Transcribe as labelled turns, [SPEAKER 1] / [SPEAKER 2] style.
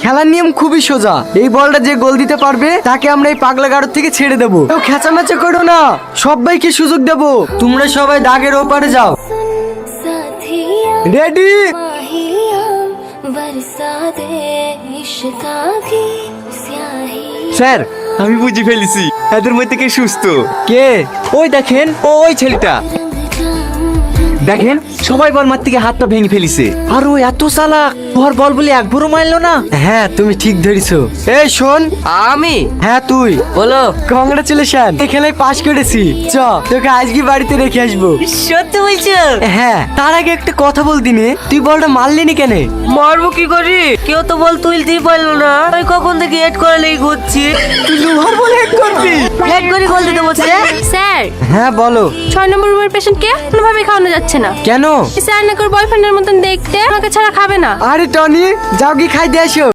[SPEAKER 1] খেলার নিয়ম খুবই সোজা। এই বলটা যে গোল দিতে পারবে তাকে আমরা এই পাগলা গাড়ো থেকে ছেড়ে দেবো। কেউ খেঁচামেচা করো না, সবাইকে সুযোগ দেবো। তোমরা সবাই দাগের ওপারে যাও। রেডি?
[SPEAKER 2] স্যার, আমি বুঝে ফেলেছি এদের মধ্যে কে সুস্থ।
[SPEAKER 1] কে?
[SPEAKER 2] ওই দেখেন, ওই ছেলেটা দেখেন, সবাই বল মার থেকে হাত পা ভেঙে ফেলিছে। আর ও এত চালাক, ওর বল বলে একবারও মারলো না।
[SPEAKER 1] হ্যাঁ তুমি ঠিক ধরেছো। এই শোন,
[SPEAKER 3] আমি
[SPEAKER 1] হ্যাঁ তুই
[SPEAKER 3] বলো।
[SPEAKER 1] কংগ্রাচুলেশন, এই খেলায় পাস করেছি। চ তোকে আজকে বাড়িতে রেখে আসবো।
[SPEAKER 3] সত্যি বলছো?
[SPEAKER 1] হ্যাঁ, তার আগে একটা কথা বলতি নে, তুই বলটা মারলি নি কেন?
[SPEAKER 3] মারবো কি করি? কেউ তো বল তুলতেই পারলো না। আমি কখন থেকে হেড করা লেগে ঘুরছি।
[SPEAKER 1] তুই লোহার বলে হেড করবি?
[SPEAKER 3] হেড করে গোল দিতে বলছে।
[SPEAKER 4] স্যার,
[SPEAKER 1] হ্যাঁ বলো।
[SPEAKER 4] 6 নম্বর রুমের পেশেন্টকে কোনোভাবে খাওয়ানো যাচ্ছে না।
[SPEAKER 1] কেন?
[SPEAKER 4] স্যার নাকি ওর বয়ফ্রেন্ডের মতন দেখতে, আমাকে ছাড়া খাবে না।
[SPEAKER 1] আরে টনি, যাও কি খাই দিয়ে আসো।